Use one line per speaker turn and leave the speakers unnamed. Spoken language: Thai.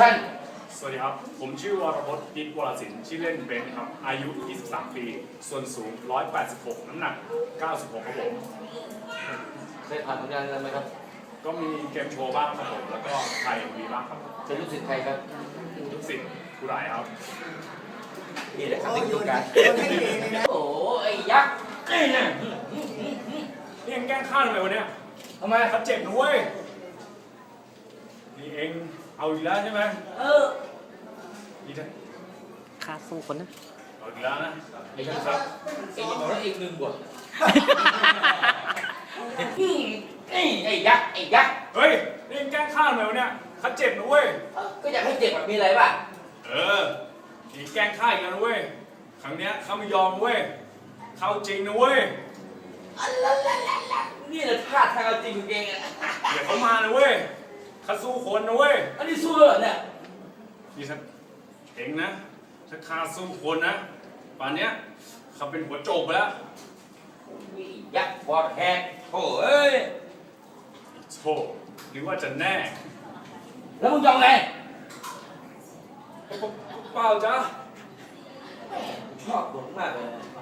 introduction
สวัสดีครับ ผมชื่อวรพจน์นิตวรศิลป์ชื่อเล่นเบนครับ อายุ 23 ปี ส่วนสูง 186 น้ำหนัก 96 ครับผม
เคยผ่านผลงานอะไรไหมครับ
ก็มีเกมโชว์บ้างครับผม แล้วก็ไทยมีบ้างครับ
เป็นลูกศิษย์ใครครับ
ทุกสิ่งผู้ร้ายครับ
นี่แหละครับที่ดูการโอ้ไอ้ยักษ์นี่นะ
นี่ยังแกล้งฆ่าทำไมวะเนี่ย
ทำไม
เขาเจ็บนะเว้ย นี่เองเอาอีกแล้วใช่ไหมนี่นะ
ค่าสู้คนนะ
เอาอีกแล้วนะ
ไอ้ยักษ์ครับเองบอกว่าเองลืมบทไอ้ยักษ์ไอ้ยักษ์
เฮ้ย นี่ยังแกล้งฆ่าทำไมวะเนี่ยเขาเจ็บนะเว้ย
ก็อยากให้เจ็บแบบมีอะไรบ้าง
นี่แกล้งฆ่าอีกแล้วนะเว้ย ครั้งเนี้ยเขาไม่ยอมเว้ย เข้าจริงนะเว้ย
นี่แหละท่าทางเอาจริงของเองอ่ะ
เดี๋ยวเขามานะเว้ยเขาสู้คนนะเว้ย
อันนี้สู้เลยเหรอเนี่ย
นี่ฉันเองนะถ้าข้าสู้คนนะป่านเนี้ยเขาเป็นหัวโจกไปแล้ว
วิยักษ์บอดแหกโถ่เอ้ย
โธ่หรือว่าจะแน่
แล้วมึงยอมไง
เปล่าจ้ะ
ชอบบทมากเลย